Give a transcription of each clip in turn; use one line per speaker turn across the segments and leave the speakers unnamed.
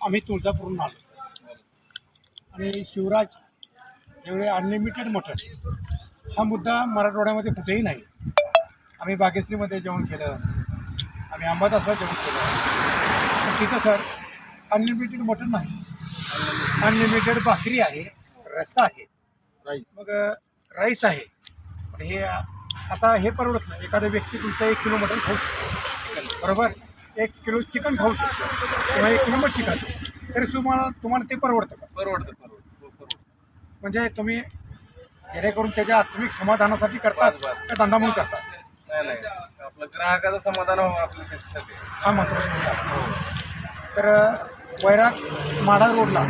आम्ही तुळजापूरहून आलो आणि शिवराज एवढे अनलिमिटेड मटण हा मुद्दा मराठवाड्यामध्ये कुठेही नाही. आम्ही बागेश्रीमध्ये जेवण केलं, आम्ही अंबादासला जेवण केलं, पण तिथं सर अनलिमिटेड मटण नाही. अनलिमिटेड भाकरी आहे, रस्सा आहे,
राईस
मग राईस आहे. पण हे आता हे परवडत नाही. एखादा व्यक्ती तुमचा 1 किलो मटण खाऊ शकतो, बरोबर, 1 किलो चिकन खाऊ शकतो किंवा 1 किलो मच्छी खातो, तरी तुम्हाला ते परवडतं का?
परवडतं.
म्हणजे तुम्ही जेणेकरून त्याच्या आत्मिक समाधानासाठी करतात का धंदा म्हणून करतात?
नाही आपलं ग्राहकाचं समाधान व्हावं आपल्या त्याच्यासाठी.
हा महत्त्वाचा मुद्दा आहे. तर वैराग माढा रोडला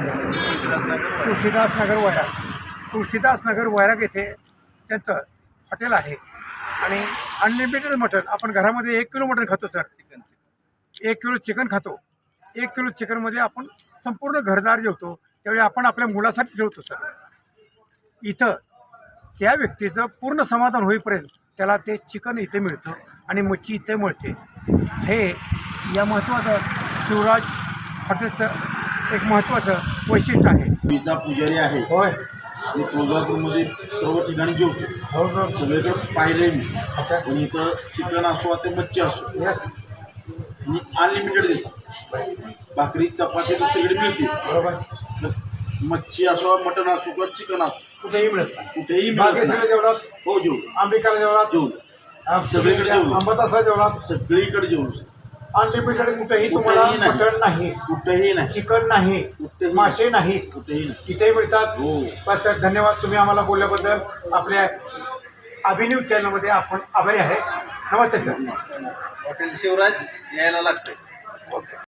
तुळशीदास नगर वैराग येथे त्यांचं हॉटेल आहे आणि अनलिमिटेड मटण. आपण घरामध्ये 1 किलो मटण खातो सर, 1 किलो चिकन खातो. 1 किलो चिकनमध्ये आपण संपूर्ण घरदार जेवतो. त्यावेळी आपण आपल्या मुलासाठी जेवतो सर. इथं त्या व्यक्तीचं पूर्ण समाधान होईपर्यंत त्याला ते चिकन इथे मिळतं आणि मच्छी इथे मिळते. हे या महत्त्वाचं शिवराज हॉटेलचं एक महत्त्वाचं वैशिष्ट्य आहे.
पिझ्झा पुजारी आहे
होय,
आणि तुळजापूरमध्ये सर्व ठिकाणी जेवतो.
हो
सगळीकडे पाहिले मी.
अच्छा,
पण इथं चिकन असो ते मच्छी असो
यस,
आणि अनलिमिटेड देतात. भाकरी चपाती दुसरीकडे मिळते.
बरोबर.
मच्छी असो, मटण असो किंवा चिकन असो,
कुठेही मिळतं.
कुठेही मिळत
बागेश्रीला
नाही.
जेवणात,
हो जेवू
अंबिकाला जेवणात,
जेवू सगळीकडे जेवलो.
अंबादासला जेवणात
सगळीकडे जेवलो.
अनलिमिटेड कुठेही तुम्हाला
कुठेही नाही.
मटण नाही,
कुठेही नाही,
चिकन नाही,
कुठेही
मासे नाही,
कुठेही नाही.
तिथेही मिळतात.
हो.
बस सर, धन्यवाद. तुम्ही आम्हाला बोलल्याबद्दल आपल्या अभिन्यूज चॅनलमध्ये आपण आभारी आहे. नमस्ते सर.
हॉटेल शिवराज यायला लागतंय.